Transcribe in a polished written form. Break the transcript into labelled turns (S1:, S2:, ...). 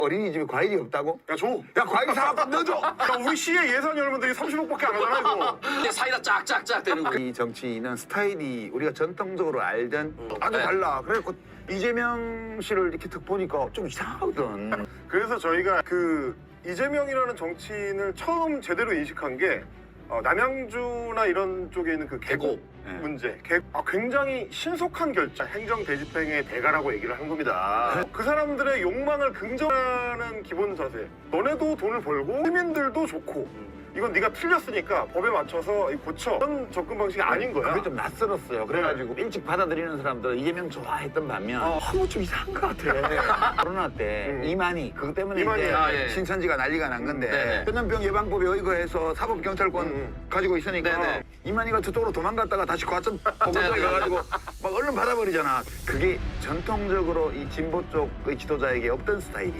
S1: 어린이집에 과일이 없다고?
S2: 야, 줘.
S1: 야, 과일 사갖고 넣어줘!
S2: 야, 우리 시의 예산이 얼마인데 30억밖에 안 하잖아, 이거.
S3: 이제 사이다 쫙쫙쫙 되는 거.
S1: 이 정치인은 스타일이 우리가 전통적으로 알던 아주
S3: 네.
S1: 달라. 그래갖고 이재명 씨를 이렇게 딱 보니까 좀 이상하거든.
S2: 그래서 저희가 그 이재명이라는 정치인을 처음 제대로 인식한 게 남양주나 이런 쪽에 있는 그 계곡
S1: 네.
S2: 문제. 굉장히 신속한 결정, 행정 대집행의 대가라고 얘기를 한 겁니다. 그 사람들의 욕망을 긍정하는 기본 자세. 너네도 돈을 벌고 시민들도 좋고 이건 네가 틀렸으니까 법에 맞춰서 고쳐. 그런 접근 방식이 아닌 거야.
S1: 그게 좀 낯설었어요. 그래가지고 일찍 받아들이는 사람들은 이재명 좋아했던 반면 좀 이상한 것 같아. 코로나 때 이만희 그것 때문에
S2: 이만희,
S1: 이제
S3: 예.
S1: 신천지가 난리가 난 건데
S3: 네네.
S1: 전염병 예방법에 의거해서 사법경찰권 가지고 있으니까
S3: 네네.
S1: 이만희가 저쪽으로 도망갔다가 다시 과천 보건소에 가가지고 막 얼른 받아버리잖아. 그게 전통적으로 이 진보 쪽의 지도자에게 없던 스타일이야.